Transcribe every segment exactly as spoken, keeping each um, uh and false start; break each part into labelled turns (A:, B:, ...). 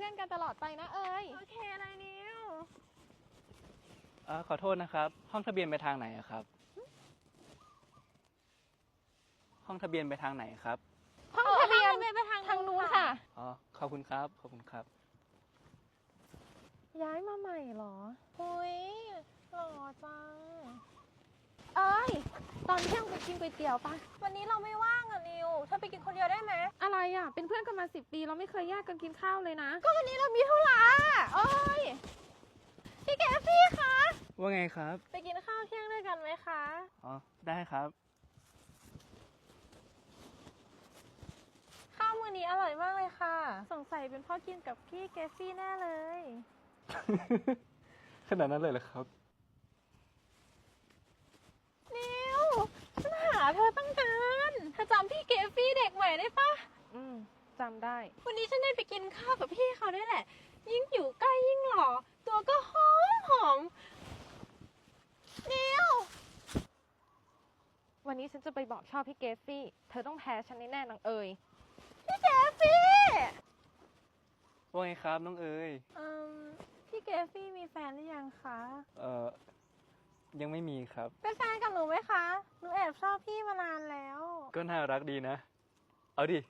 A: พื่อนกันตลอดไปนะเอ๋ยโอเคอะไรนิว
B: เออขอโทษนะครับห้องทะเบียนไปทางไหนอะครับห้องทะเบียนไปทางไหนครับ
A: ห้องทะเบียนไปทางทางนู้นค่ะ
B: อ๋อขอบคุณครับขอบคุณครับ
A: ย้ายมาใหม่เหรอหุยหล่อจังเอ้ยตอนเที่ยงไปกินก๋วยเตี๋ยวปะวันนี้เราไม่ว่างอ่ะนิวเธอไปกินคนเดียวได้ไหมอะไรอ่ะเป็นเพื่อนกันมาสิบปีเราไม่เคยแยกกันกินข้าวเลยนะก็วันนี้เรามีธุระเอ้ยพี่แกฟี่คะ
B: ว่าไงครับ
A: ไปกินข้าวเที่ยงด้วยกันไหมคะ
B: อ๋อได้ครับ
A: ข้าวมื้อนี้อร่อยมากเลยค่ะสงสัยเป็นพ่อกินกับพี่แกฟี่แน่เลย
B: ขนาดนั้นเลยเหรอครับ
A: นิวฉันหาเธอตั้งนานเธอจำพี่เกฟฟี่เด็กใหม่ได้ปะอืมจำได้วันนี้ฉันได้ไปกินข้าวกับพี่เขาด้วยแหละยิ่งอยู่ใกล้ยิ่งหล่อตัวก็หอมหอมนิววันนี้ฉันจะไปบอกชอบพี่เกฟฟี่เธอต้องแพ้ฉันแน่ๆนางเอ๋ยพี่เกฟฟี่
B: ว่าไงครับน้องเอ๋ย
A: อืมพี่เกฟฟี่มีแฟนหรือยังคะ
B: เอ่อยังไม่มีครับ
A: เป็นแฟนกับหนูไหมคะหนูแอบชอบพี่มานานแล้ว
B: ก็น่ารักดีนะเอาดิ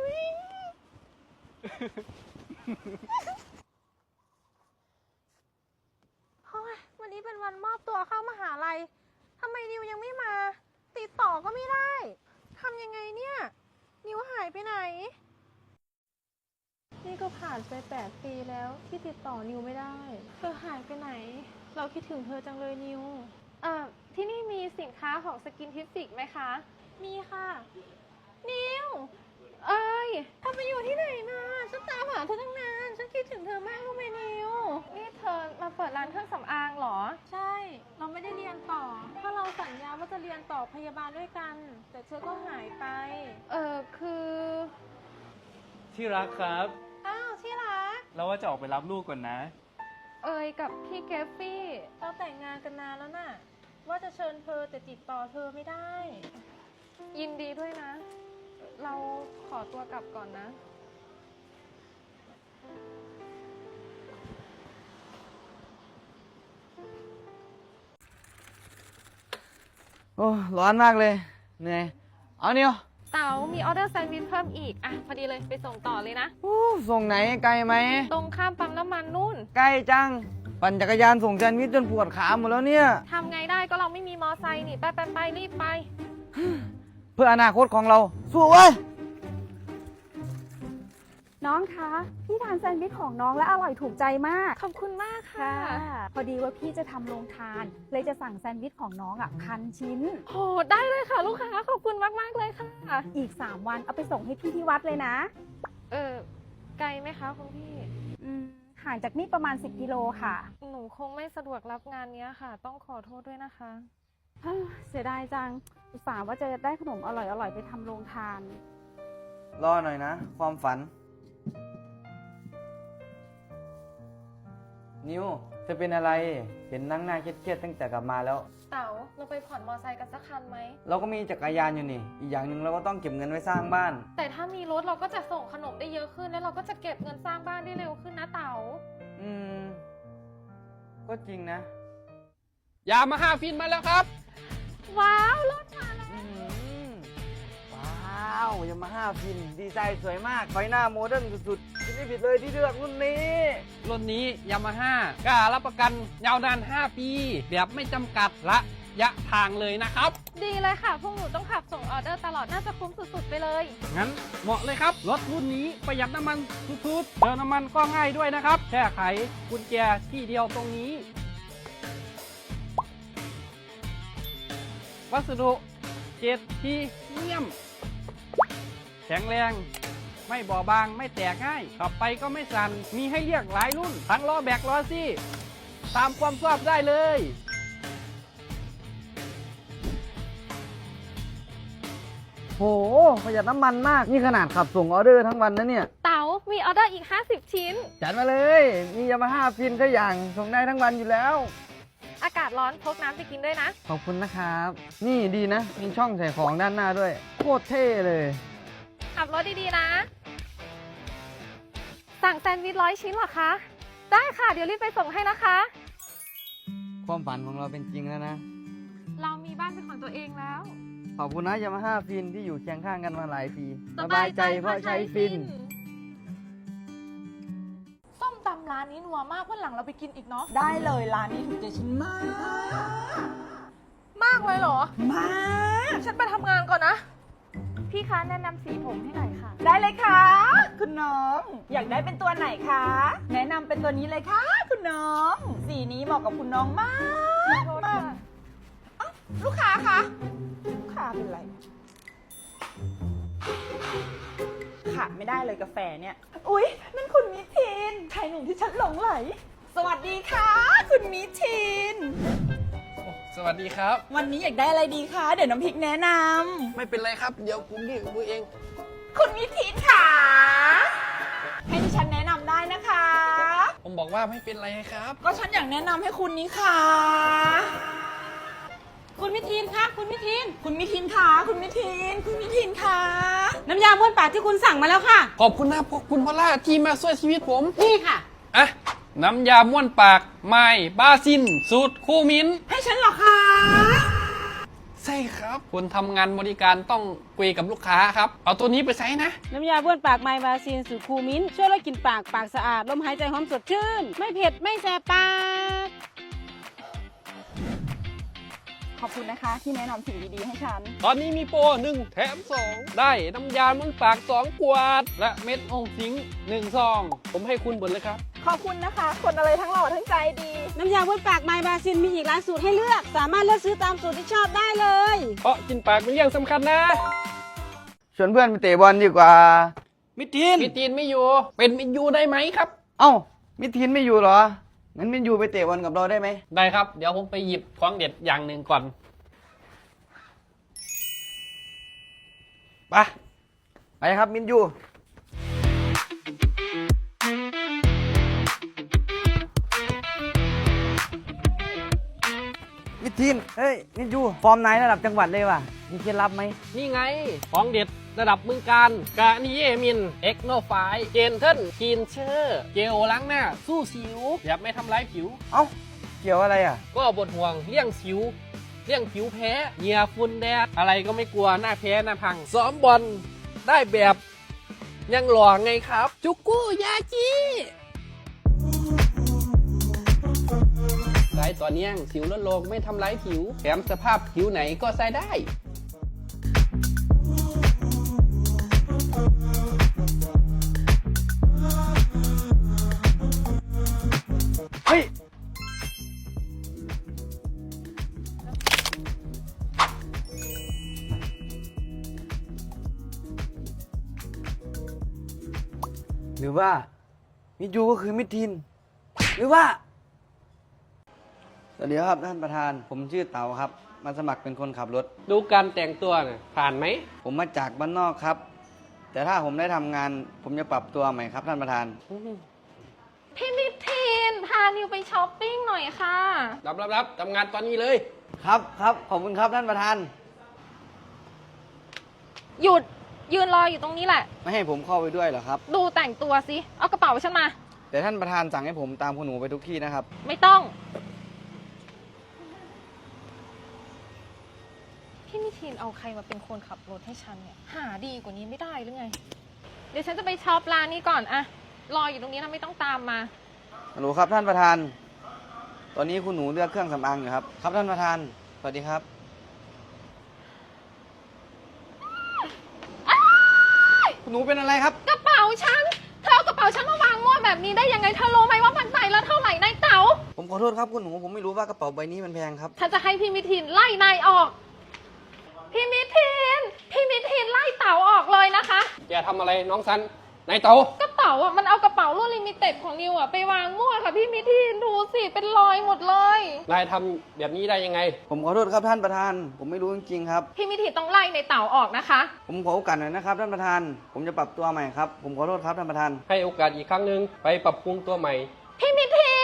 A: เฮ้ยวันนี้เป็นวันมอบตัวเข้ามหาลัยทำไมนิวยังไม่มาติดต่อก็ไม่ได้ทำยังไงเนี่ยนิวหายไปไหนนี่ก็ผ่านไปแปดปีแล้วที่ติดต่อนิวไม่ได้เธอหายไปไหนเราคิดถึงเธอจังเลยนิวอ่าที่นี่มีสินค้าของสกินทิฟิกไหมคะมีค่ะนิวเอ้ยเธอไปอยู่ที่ไหนมาฉันตามหาเธอตั้งนานฉันคิดถึงเธอมากรู้ไหมนิวนี่เธอมาเปิดร้านเครื่องสำอางเหรอใช่เราไม่ได้เรียนต่อเพราะเราสัญญาว่าจะเรียนต่อพยาบาลด้วยกันแต่เธอก็หายไปเออคือ
B: ที่รักครับ
A: อ้าวที่รัก
B: เราว่าจะออกไปรับลูกก่อนนะ
A: เอ๋ยกับพี่เกฟฟี่เราแต่งงานกันนานแล้วน่ะว่าจะเชิญเธอแต่ติดต่อเธอไม่ได้ยินดีด้วยนะเราขอตัวกลับก่อนนะ
C: โอ้ร้อนมากเลยเหนื่อยเอาเนี่ย
A: เต๋ามีออเดอร์แซนด์วิชเพิ่มอีกอ่ะพอดีเลยไปส่งต่อเลยนะ
C: โอ้ส่งไหนไกลไหม
A: ตรงข้ามปั๊มน้ำมันนู่น
C: ใกล้จังปั่นจักรยานส่งแซนด์วิชจนปวดขาหมดแล้วเนี่ย
A: ทำไงได้ก็เราไม่มีมอไซค์นี่ไปไปไปรีบไป
C: เพื่ออนาคตของเราสู้เว้ย
D: น้องคะพี่ทานแซนด์วิชของน้องและอร่อยถูกใจมาก
A: ขอบคุณมากค่ะ
D: พอดีว่าพี่จะทำโรงทานเลยจะสั่งแซนด์วิชของน้องอ่ะพันชิ้น
A: โหได้เลยค่ะลูกค้าขอบคุณมากมากเลยค่ะ
D: อีกสามวันเอาไปส่งให้พี่ที่วัดเลยนะ
A: เออไกลไหมคะคุณพี่
D: อืมห่างจากนี่ประมาณสิบกิโลค่ะ
A: หนูคงไม่สะดวกรับงานนี้ค่ะต้องขอโทษด้วยนะคะ
D: เสียดายจังอุตส่าห์ว่าจะได้ขนมอร่อยๆไปทำโรงทาน
C: รอหน่อยนะความฝันนิวเธอเป็นอะไรเห็นนั่งหน้าเครียดๆตั้งแต่กลับมาแล้ว
A: เต๋าเราไปผ่อนมอไซค์กันสักคันไหม
C: เราก็มีจักรยานอยู่นี่อีกอย่างหนึ่งเราก็ต้องเก็บเงินไว้สร้างบ้าน
A: แต่ถ้ามีรถเราก็จะส่งขนมได้เยอะขึ้นแล้วเราก็จะเก็บเงินสร้างบ้านได้เร็วขึ้นนะเต๋า
C: อืมก็จริงนะ
B: ยามาฮ่าฟินมาแล้วครับ
A: ว้าวรถมาแล้ว
C: ว้าวยามาฮ่าฟินดีไซน์สวยมากไฟหน้าโมเดิร์นสุดๆไม่ผิดเลยที่เลือกรุ่นนี้
B: รุ่นนี้ยามาฮ่ากล้ารับประกันยาวนานห้าปีแบบไม่จำกัดระยะทางเลยนะครับ
A: ดีเลยค่ะพวกหนูต้องขับส่งออเดอร์ตลอดน่าจะคุ้มสุดๆไปเลย
B: งั้นเหมาะเลยครับรถรุ่นนี้ประหยัดน้ำมันสุดๆเติมน้ำมันก็ง่ายด้วยนะครับแค่ไขกุญแจที่เดียวตรงนี้วัสดุเกรดพรีเมียมแข็งแรงไม่บอบบางไม่แตกง่ายขับไปก็ไม่สั่นมีให้เลือกหลายรุ่นทั้งล้อแบกล้อซี่ตามความชอบได้เลย
C: โหประหยัดน้ำมันมากนี่ขนาดขับส่งออเดอร์ทั้งวันนะเนี่ย
A: เต๋ามีออเดอร์อีกห้าสิบชิ้น
C: จัดมาเลยมียามาฮ่าฟินก็อย่างส่งได้ทั้งวันอยู่แล้ว
A: อากาศร้อนพกน้ำไปกินด้วยนะ
C: ขอบคุณนะครับนี่ดีนะมีช่องใส่ของด้านหน้าด้วยโคตรเท่เลย
A: ขับรถดีๆนะแซสั่งแซนด์วิชร้อยชิ้นเหรอคะ ได้ค่ะ เดี๋ยวรีบไปส่งให้นะคะ
C: ความฝันของเราเป็นจริงแล้วนะ
A: เรามีบ้านเป็นของตัวเองแล้ว
C: ขอบคุณนะยามาฮ่าฟินที่อยู่เคียงข้างกันมาหลายปี
A: เพราะใช้ฟิน ส้มตำร้านนี้นัวมากวันหลังเราไปกินอีกเนาะ
E: ได้เลยร้านนี้ถูกใจฉันมาก
A: มากเลยเหรอ
E: มาก
A: ฉันไปทำงานก่อนนะ
D: พี่คะแนะนำสีผมให้หน่อยค่ะ
E: ได้เลยค่ะ คุณน้อง อยากได้เป็นตัวไหนคะ แนะนำเป็นตัวนี้เลยค่ะ คุณน้อง สีนี้เหมาะกับคุณน้องมากมากเอ้าลูกค้าคะลูกค้าเป็นไรขาดไม่ได้เลยกาแฟเนี่ย อุ๊ย นั่นคุณมิทินชายหนุ่มที่ฉันหลงไหล สวัสดีค่ะ คุณมิทิน
B: สวัสดีครับ
E: วันนี้อยากได้อะไรดีคะ เดี๋ยวน้ำพริกแนะนำ
B: ไม่เป็นไรครับ เดี๋ยวผมเรียกมือเอง
E: คุณมิทินค่ะ ให้ดิฉันแนะนำได้นะคะ
B: ผมบอกว่าไม่เป็นไรครับ
E: ก็ฉันอยากแนะนำให้คุณนี่ค่ะ คุณมิทินคะคุณมิทิน คุณมิทินค่ะคุณมิทิน คุณมิทินค่ะ
F: น้ำยาบ้วนปากที่คุณสั่งมาแล้วค่ะ
B: ขอบคุณนะพวกคุณพอลล่าที่มาช่วยชีวิตผม
F: นี่ค่ะ
B: อ่ะ น้ำยาม้วนปากไม้บาซิน สูตรคู่มิ้น
E: ให้ฉันเหรอคะ
B: ใช่ครับคุณทำงานบริการต้องคุยกับลูกค้าครับ เอาตัวนี้ไปใช้นะ
F: น้ำยาบ้วนปากไมบาซีนสูตรคูมิ้นช่วยลดกลิ่นปากปากสะอาดลมหายใจหอมสดชื่น ไม่เผ็ด ไม่แสบปาก
E: ขอบคุณนะคะที่แนะนำสิ่งดีๆให้ฉัน
B: ตอนนี้มีโปรหนึ่งแถมสองได้น้ำยาม้วนปากสองขวด และเม็ดองสิงหนึ่งซอง ผมให้คุณหมดเลยครับ
E: ขอบคุณนะคะ คนอะไรทั้งหล่อทั้งใจดี
F: น้ำยาบ้วนปากไมบาซีนมีอีกหลายสูตรให้เลือก สามารถเลือกซื้อตามสูตรที่ชอบได้เลย
B: เพราะกินปากเป็นเรื่องสำคัญนะ
C: ชวนเพื่อนไปเตะบอลดีกว่า
B: มิทีนมิทีนไม่อยู่ เป็นมิยูได้ไหมครับ
C: เอ้า มิทินไม่อยู่เหรอ งั้นมินยูไปเตะบอลกับเราได้ไหม
B: ได้ครับ เดี๋ยวผมไปหยิบของเด็ดอย่างหนึ่งก่อนไป
C: ไปครับมินยู มิทิน เฮ้ย มินยู ฟอร์มนายระดับจังหวัดเลยว่ะ มีเคล็ดลับไหม
B: นี่ไง ของเด็ดระดับเมืองการกานิเยมิน เอ็กโนไฟเจนเทิลคีนเชอร์ เจลล้างหน้า สู้สิวแบบไม่ทำร้ายผิว
C: เอ้า เกี่ยวอะไรอ่ะ
B: ก็บทห่วงเลี่ยงสิวเลี่ยงผิวแพ้เหงื่อฝุ่นแดด อะไรก็ไม่กลัวหน้าแพ้หน้าพัง ซ้อมบอลได้แบบยังหล่อไงครับ จุกุยาจิใส่ต่อเนื่องสิวลดลงไม่ทำร้ายผิว แถมสภาพผิวไหนก็ใส่ได้
C: เฮ้ย หรือว่า มิยูก็คือมิทิน หรือว่า สวัสดีครับท่านประธาน ผมชื่อเต๋าครับ มาสมัครเป็นคนขับรถ
B: ดูการแต่งตัวน่ะผ่านไหม
C: ผมมาจากบ้านนอกครับ แต่ถ้าผมได้ทำงาน ผมจะปรับตัวใหม่ครับท่านประธาน
A: พี่มิทีนพานิวไปช้อปปิ้งหน่อยค่ะ
B: รับรับรับทำงานตอนนี้เลย
C: ครับครับ ขอบคุณครับท่านประธาน
A: หยุดยืนรออยู่ตรงนี้แหละ
C: ไม่ให้ผมเข้าไปด้วยเหรอครับ
A: ดูแต่งตัวสิ เอากระเป๋าฉันมา
C: แต่ท่านประธานสั่งให้ผมตามคุณหนูไปทุกที่นะครับ
A: ไม่ต้อง พี่มิทีนเอาใครมาเป็นคนขับรถให้ฉันเนี่ย หาดีกว่านี้ไม่ได้หรือไง เดี๋ยวฉันจะไปช็อปร้านนี้ก่อนอะรออยู่ตรงนี้นะไม่ต้องตามมา
C: ฮัลโหลครับท่านประธาน ตอนนี้คุณหนูเลือกเครื่องสำอางอยู่ครับ ครับท่านประธาน สวัสดีครับ คุณหนูเป็นอะไรครับ
A: กระเป๋าฉัน เธอเอากระเป๋าฉันมาวางมั่วแบบนี้ได้ยังไง เธอรู้ไหมว่ามันใบละเท่าไหร่นายเต๋า
C: ผมขอโทษครับคุณหนู ผมไม่รู้ว่ากระเป๋าใบนี้มันแพงครับ
A: ฉันจะให้พี่มิทินไล่นายออก พี่มิทิน พี่มิทินไล่เต๋าออกเลยนะคะ
B: อย่าทำอะไรน้องซันนายเต๋าก
A: ระเป๋าอ่ะมันเอากระเป๋ารุ่นลิมิเต็ดของนิวอ่ะไปวางมั่วค่ะพี่มิทินดูสิเป็นรอยหมดเลย
B: นายทำแบบนี้ได้ยังไง
C: ผมขอโทษครับท่านประธาน ผมไม่รู้จริงๆครับ
A: พี่มิทินต้องไล่ในเต๋าออกนะคะ
C: ผมขอโอกาสหน่อยนะครับท่านประธาน ผมจะปรับตัวใหม่ครับ ผมขอโทษครับท่านประธาน
B: ให้โอกาสอีกครั้งหนึ่งไปปรับปรุงตัวใหม่
A: พี่มิทิ